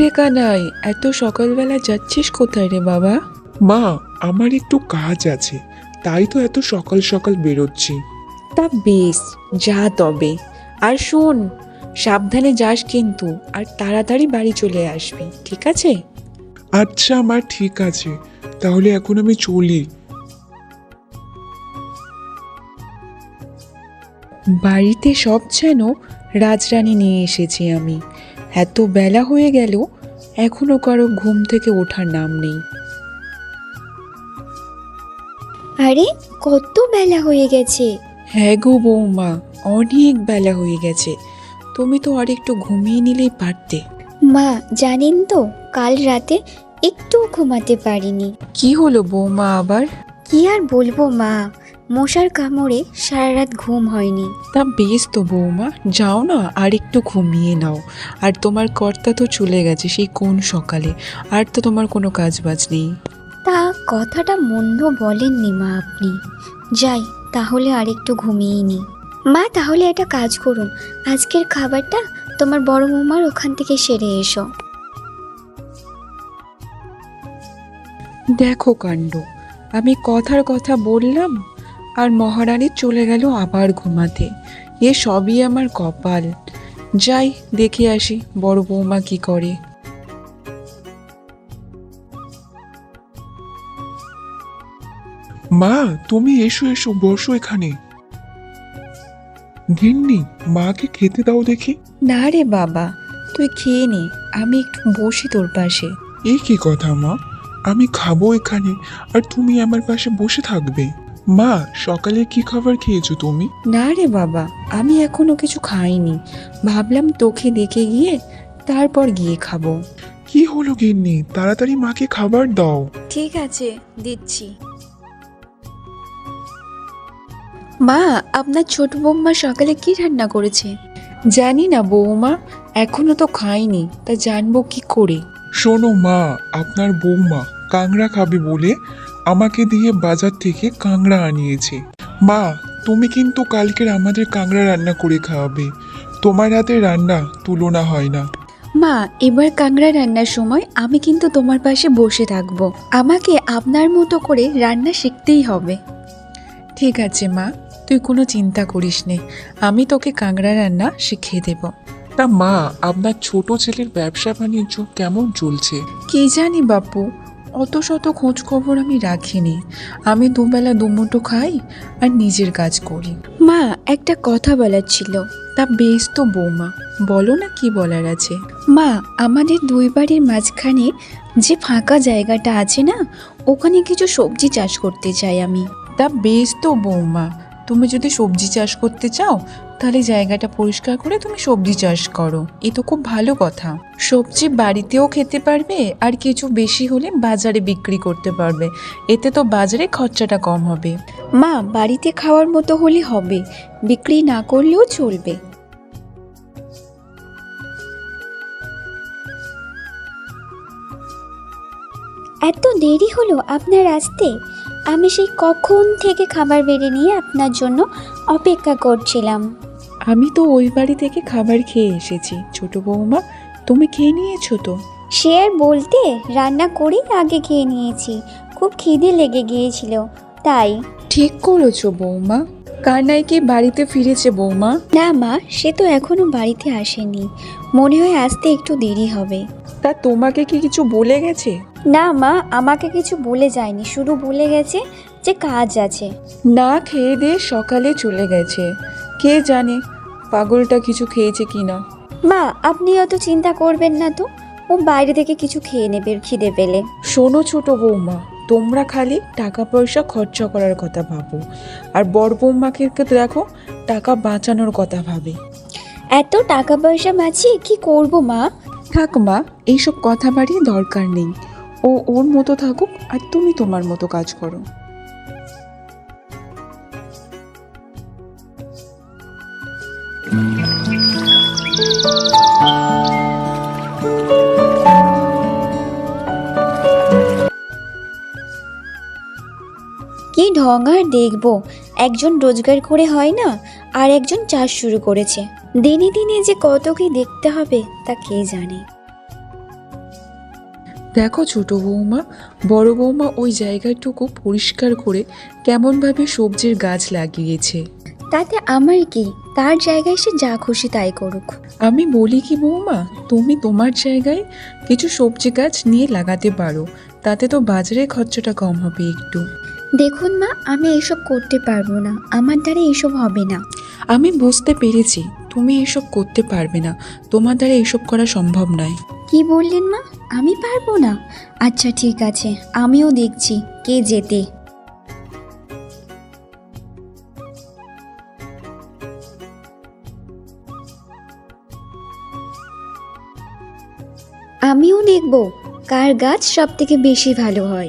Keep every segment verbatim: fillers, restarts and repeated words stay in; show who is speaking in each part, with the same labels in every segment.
Speaker 1: রে কানাই, এত সকালবেলা যাচ্ছিস কোথায় রে বাবা?
Speaker 2: মা, আমার একটু কাজ আছে, তাই তো এত সকাল সকাল বেরোচ্ছি।
Speaker 1: তা বেশ, যা তবে। আর শোন, সাবধানে যাস কিন্তু, আর তাড়াতাড়ি বাড়ি চলে আসবি, ঠিক আছে?
Speaker 2: আচ্ছা মা, ঠিক আছে, তাহলে এখন আমি চলি।
Speaker 1: বাড়িতে সব যেন রাজরানী নিয়ে এসেছি আমি। এত বেলা হয়ে গেল, এখনো কারো ঘুম থেকে ওঠার নাম নেই।
Speaker 3: আরে কত বেলা হয়ে গেছে!
Speaker 1: হ্যাঁ গো বৌমা, অনেক বেলা হয়ে গেছে। তুমি তো আর একটু ঘুমিয়ে নিলেই পারতে।
Speaker 3: মা জানেন তো, কাল রাতে একটু ঘুমাতে পারিনি।
Speaker 1: কি হলো বৌমা আবার?
Speaker 3: কি আর বলবো মা, মশার কামড়ে সারা রাত ঘুম হয়নি।
Speaker 1: তা বেশ তো বৌমা, যাও না আর একটু ঘুমিয়ে নাও। আর তোমার কর্তা তো চলে গেছে সেই কোন সকালে, আর তো তোমার কোনো কাজ বাজ নেই।
Speaker 3: তা কথাটা মন্দ বলেননি মা আপনি। যাই তাহলে আর একটু ঘুমিয়ে নি। মা তাহলে একটা কাজ করুন, আজকের খাবারটা তোমার বড় বৌমার ওখান থেকে সেরে এসো।
Speaker 1: দেখো কাণ্ড, আমি কথার কথা বললাম আর মহারানী চলে গেল আবার ঘুমাতে। এ সবই আমার কপাল। যাই দেখে আসি বড় বৌমা কি করে।
Speaker 2: মা, তুমি এসো এসো, বসো এখানে। গিন্নি, মাকে খেতে দাও দেখি।
Speaker 1: না রে বাবা, তুই খেয়ে নে, আমি একটু বসি তোর পাশে।
Speaker 2: এই কি কথা মা, আমি খাবো এখানে আর তুমি আমার পাশে বসে থাকবে? মা, সকালে কি খাবার খেয়েছো তুমি?
Speaker 1: না রে বাবা, আমি এখনো কিছু খাইনি। ভাবলাম তোকে দেখে গিয়ে তারপর গিয়ে খাবো।
Speaker 2: কি হলো গিন্নি, তাড়াতাড়ি মাকে খাবার দাও।
Speaker 3: ঠিক আছে, দিচ্ছি।
Speaker 1: মা, আপনার ছোট বৌমা সকালে কি রান্না করেছে? জানি না বৌমা, এখনো তো খাইনি, তা জানবো কি করে?
Speaker 2: শোনো মা, আপনার বৌমা কাংড়া খাবে বলে আমাকে দিয়ে বাজার থেকে কাংড়া আনিয়েছে। মা, তুমি কিন্তু কালকের আমাদের কাংড়া রান্না করে খাওয়াবে। তোমার হাতে রান্না তুলনা হয় না।
Speaker 1: মা, এবার কাংড়া রান্নার সময় আমি কিন্তু তোমার পাশে বসে থাকবো। আমাকে আপনার মতো করে রান্না শিখতেই হবে। ঠিক আছে মা, তুই কোনো চিন্তা করিস নে, আমি তোকে কাংড়া রান্না শিখিয়ে দেব।
Speaker 2: তা মা, আপনার ছোট ছেলের ব্যবসা বাণিজ্য কেমন চলছে?
Speaker 1: কি জানি বাপু, অত শত খোঁজ খবর আমি রাখিনি। আমি দুবেলা দুমুঠো খাই আর নিজের কাজ করি। মা, একটা কথা বলার ছিল। তা বেশ তো বৌমা, বলো না কি বলার আছে। মা, আমাদের দুই বাড়ির মাঝখানে যে ফাঁকা জায়গাটা আছে না, ওখানে কিছু সবজি চাষ করতে চাই আমি। তা বেশ তো বৌমা, তুমি যদি সবজি চাষ করতে চাও তাহলে জায়গাটা পরিষ্কার করে তুমি সবজি চাষ করো, এ তো খুব ভালো কথা। সবজি বাড়িতেও খেতে পারবে আর কিছু বেশি হলে বাজারে বিক্রি করতে পারবে, এতে তো বাজারে খরচাটা কম হবে। মা, বাড়িতে খাওয়ার মতো হলে হবে, বিক্রি না করলেও চলবে।
Speaker 3: এত দেরি হলো আপনার আসতে? আমি সেই কখন থেকে খাবার বেড়ে নিয়ে আপনার জন্য অপেক্ষা করছিলাম।
Speaker 1: আমি তো ওই বাড়ি থেকে খাবার খেয়ে এসেছি ছোট বৌমা, তুমি খেয়ে নিয়েছো তো?
Speaker 3: সে আর বলতে, রান্না করেই আগে খেয়ে নিয়েছি, খুব খিদে লেগে গিয়েছিল তাই।
Speaker 1: ঠিক করেছো বৌমা। কানাই কি বাড়িতে ফিরেছে বৌমা?
Speaker 3: না মা, সে তো এখনো বাড়িতে আসেনি, মনে হয় আসতে একটু দেরি হবে।
Speaker 1: তা তোমাকে কি কিছু বলে গেছে?
Speaker 3: না মা, আমাকে কিছু বলে যায়নি, শুধু বলে গেছে যে কাজ আছে।
Speaker 1: না খেয়ে দিয়ে সকালে চলে গেছে, কে জানে পাগলটা কিছু খেয়েছে কিনা।
Speaker 3: মা আপনি অত চিন্তা করবেন না তো, ও বাইরে থেকে কিছু খেয়ে নেবে খিদে পেলে।
Speaker 1: শোনো ছোট বৌমা, তোমরা খালি টাকা পয়সা খরচা করার কথা ভাবো, আর বড় বৌমাকে দেখো টাকা বাঁচানোর কথা ভাবে।
Speaker 3: এত টাকা পয়সা বাঁচিয়ে কি করব মা?
Speaker 1: থাক মা, এইসব কথা বাড়িয়ে দরকার নেই। ও ওর মতো থাকুক আর তুমি তোমার মতো কাজ করো।
Speaker 3: কি ঢং আর দেখবো, একজন রোজগার করে হয় না, আর একজন চাষ শুরু করেছে। দিনে দিনে যে কত কি দেখতে হবে তা কে জানে।
Speaker 1: দেখো ছোট বৌমা, বড় বৌমা ওই জায়গাটুকু পরিষ্কার করে কেমনভাবে সবজির গাছ লাগিয়েছে।
Speaker 3: তাতে আমার কি, তার জায়গায় সে যা খুশি তাই করুক।
Speaker 1: আমি বলি কি বৌমা, তুমি তোমার জায়গায় কিছু সবজি গাছ নিয়ে লাগাতে পারো, তাতে তো বাজারে খরচাটা কম হবে একটু।
Speaker 3: দেখুন মা, আমি এসব করতে পারবো না, আমার দ্বারা এসব হবে না।
Speaker 1: আমি বুঝতে পেরেছি তুমি এসব করতে পারবে না, তোমার দ্বারা এসব করা সম্ভব নয়।
Speaker 3: কি বললেন মা, আমি পারবো না? আচ্ছা ঠিক আছে, আমিও দেখছি কে যেতে। আমিও দেখব কার গাছ সব থেকে বেশি ভালো হয়।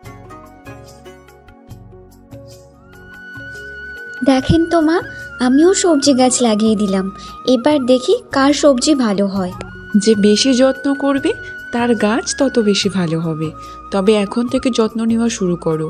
Speaker 3: দেখেন তো মা, আমিও সবজি গাছ লাগিয়ে দিলাম, এবার দেখি কার সবজি ভালো হয়।
Speaker 1: যে বেশি যত্ন করবে তার গাছ তত বেশি ভালো হবে, তবে এখন থেকে যত্ন নেওয়া শুরু করো।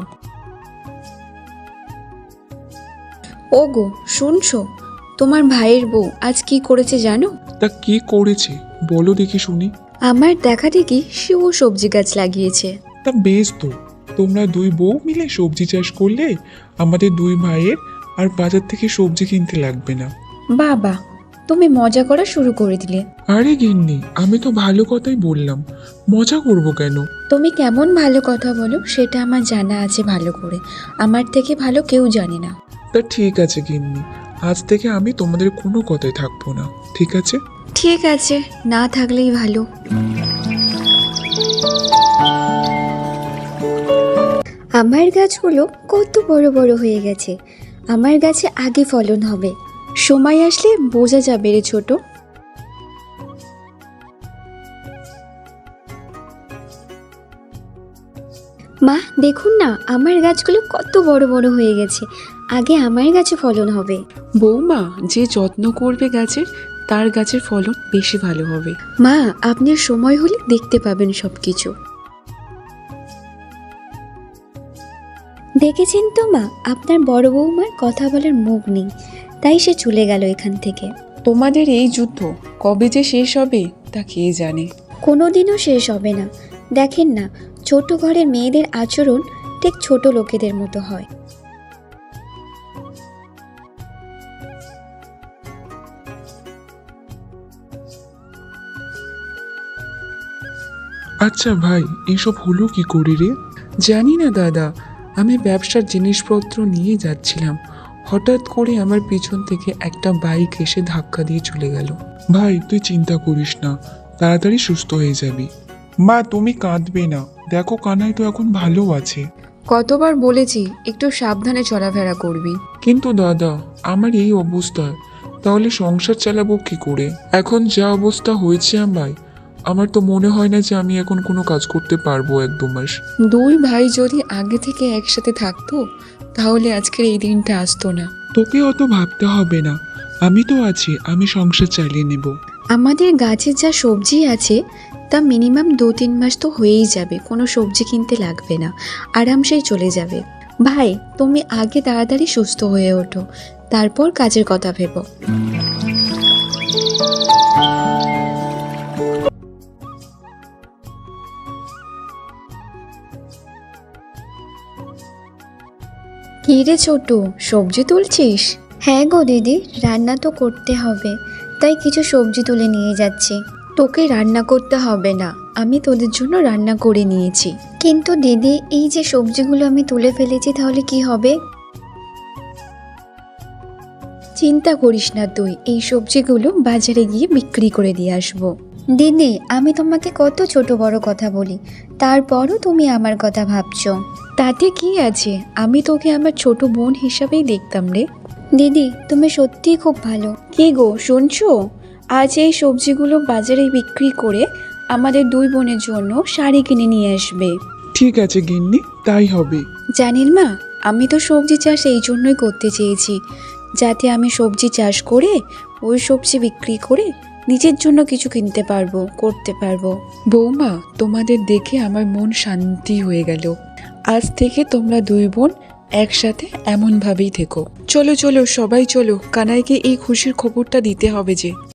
Speaker 3: ওগো শুনছো, তোমার ভাইয়ের বউ আজ কি করেছে জানো?
Speaker 2: তা কি করেছে বলো দেখি শুনি।
Speaker 3: আমার দেখা দেখি সেও সবজি গাছ লাগিয়েছে।
Speaker 2: তা বেশ তো, তোমরা দুই বউ মিলে সবজি চাষ করলে আমাদের দুই ভাইয়ের আর বাজার থেকে সবজি কিনতে লাগবে না।
Speaker 3: বাবা, তুমি মজা করা শুরু করে দিলে।
Speaker 2: আরে গিন্নি, আমি তো ভালো কথাই বললাম, মজা করব কেন?
Speaker 3: তুমি কেমন ভালো কথা বলো সেটা আমার জানা আছে ভালো করে, আমার থেকে ভালো কেউ জানে না।
Speaker 2: তা ঠিক আছে গিন্নি, আজ থেকে আমি তোমাদের কোনো কথাই থাকবো না, ঠিক আছে?
Speaker 3: ঠিক আছে, না থাকলেই ভালো। আমার গাছগুলো কত বড় বড় হয়ে গেছে, আমার গাছে আগে ফলন হবে। সময় আসলে বোঝা যাবে রে ছোট। মা দেখুন না, আমার গাছগুলো কত বড় বড় হয়ে গেছে, আগে আমার গাছে ফলন হবে।
Speaker 1: বৌমা, যে যত্ন করবে গাছের তার গাছের ফলন বেশি ভালো হবে।
Speaker 3: মা, আপনার সময় হলে দেখতে পাবেন সব কিছু। দেখেছেন তো মা, আপনার বড় বৌমার কথা বলার মুখ নেই, তাই সে চলে গেল এখান থেকে।
Speaker 1: তোমাদের এই যুদ্ধ কবে যে শেষ হবে তা কে জানে।
Speaker 3: কোনোদিনও শেষ হবে না। দেখেন না, ছোট ঘরের মেয়েদের আচরণ ঠিক ছোট লোকেদের মতো হয়।
Speaker 2: আচ্ছা ভাই, এসব হলো কি করে রে?
Speaker 1: জানি না দাদা, আমি ব্যবসার জিনিসপত্র নিয়ে যাচ্ছিলাম, হঠাৎ করে আমার পিছন থেকে একটা বাইক এসে ধাক্কা দিয়ে চলে গেল।
Speaker 2: ভাই তুই চিন্তা করিস না, তাড়াতাড়ি সুস্থ হয়ে যাবি। মা তুমি কাঁদবে না, দেখো কানাই তো এখন ভালো আছে।
Speaker 1: কতবার বলেছি একটু সাবধানে চলাফেরা করবি।
Speaker 2: কিন্তু দাদা, আমার এই অবস্থা, তাহলে সংসার চালাবো কি করে? এখন যা অবস্থা হয়েছে আমার, আমার তো মনে হয় না যে আমি এখন কোনো কাজ করতে পারবো এক দু মাস।
Speaker 1: দুই ভাই যদি আগে থেকে একসাথে থাকতো তাহলে আজকের এই দিনটা আসতো না।
Speaker 2: তোকে অত ভাবতে হবে না, আমি তো আছি, আমি সংসার চালিয়ে নেব।
Speaker 3: আমাদের গাছের যা সবজি আছে তা মিনিমাম দু তিন মাস তো হয়েই যাবে, কোনো সবজি কিনতে লাগবে না, আরামসেই চলে যাবে। ভাই, তুমি আগে তাড়াতাড়ি সুস্থ হয়ে ওঠো, তারপর কাজের কথা ভেবো। কি রে ছোট, সবজি তুলছিস? হ্যাঁ গো দিদি, রান্না তো করতে হবে, তাই কিছু সবজি তুলে নিয়ে যাচ্ছি। তোকে রান্না করতে হবে না, আমি তোদের জন্য রান্না করে নিয়েছি। কিন্তু দিদি, এই যে সবজিগুলো আমি তুলে ফেলেছি তাহলে কি হবে? চিন্তা করিস না তুই, এই সবজিগুলো বাজারে গিয়ে বিক্রি করে দিয়ে আসবো। দিদি, আমি তোমাকে কত ছোট বড় কথা বলি, তারপরও তুমি আমার কথা ভাবছো।
Speaker 1: তাতে কি আছে, আমি তোকে আমার ছোট বোন হিসাবেই দেখতাম রে।
Speaker 3: দিদি, তুমি সত্যিই খুব ভালো।
Speaker 1: কি গো শুনছো, আজ এই সবজিগুলো বাজারে বিক্রি করে আমাদের দুই বোনের জন্য শাড়ি কিনে নিয়ে আসবে।
Speaker 2: ঠিক আছে গিন্নি, তাই হবে।
Speaker 1: জানেন মা, আমি তো সবজি চাষ এই জন্যই করতে চেয়েছি, যাতে আমি সবজি চাষ করে ওই সবজি বিক্রি করে নিজের জন্য কিছু কিনতে পারবো, করতে পারবো। বৌমা, তোমাদের দেখে আমার মন শান্তি হয়ে গেল। আজ থেকে তোমরা দুই বোন একসাথে এমনভাবেই থেকো। চলো চলো সবাই চলো, কানাইকে এই খুশির খবরটা দিতে হবে যে।